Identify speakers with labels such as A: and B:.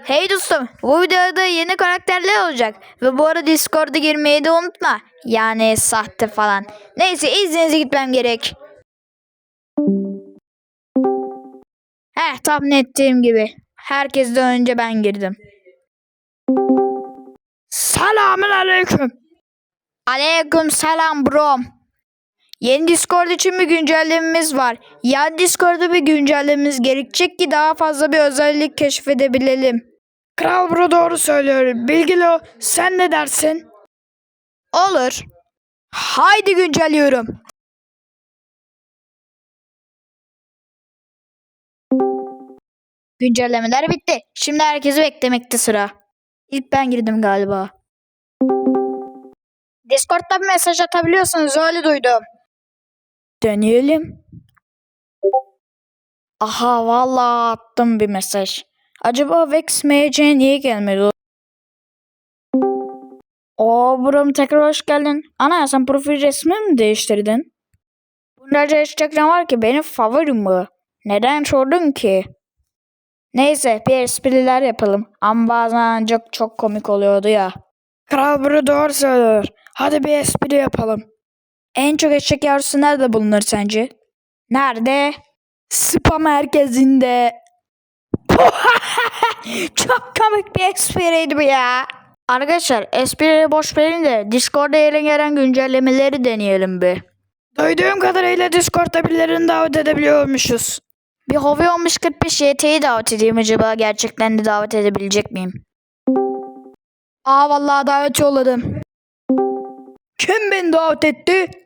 A: Hey dostum, bu videoda yeni karakterler olacak ve bu arada Discord'a girmeyi de unutma. Yani sahte falan. Neyse izninize gitmem gerek. Tahmin ettiğim gibi. Herkesten önce ben girdim. Selamun aleyküm. Aleyküm selam bro. Yeni Discord için bir güncellememiz var. Yani Discord'da bir güncellememiz gerekecek ki daha fazla bir özellik keşfedebilelim.
B: Kral bro doğru söylüyor. Bilgili o. Sen ne dersin?
A: Olur. Haydi güncelliyorum. Güncellemeler bitti. Şimdi herkesi beklemekte sıra. İlk ben girdim galiba. Discord'da bir mesaj atabiliyorsunuz, öyle duydum.
B: Deneyelim.
A: Aha vallahi attım bir mesaj. Acaba Vex MC niye gelmedi? Brom tekrar hoş geldin. Ana sen profil resmini mi değiştirdin? Bunlarca Instagram var ki benim favorim bu. Neden sordun ki? Neyse bir espriler yapalım. Ama bazen çok komik oluyordu ya.
B: Kral bro doğru söylüyor. Hadi bir espri yapalım.
A: En çok eşek yavrusu nerede bulunur sence? Nerede?
B: Spam merkezinde.
A: Çok komik bir espriydi bu ya. Arkadaşlar esprileri boş verin de Discord'da yeni gelen güncellemeleri deneyelim bir.
B: Duyduğum kadarıyla Discord'da birilerini davet edebiliyormuşuz.
A: Bir Hovi 1545 YT'yi davet edeyim, acaba gerçekten de davet edebilecek miyim?
B: Vallahi davet yolladım. Kim beni davet etti?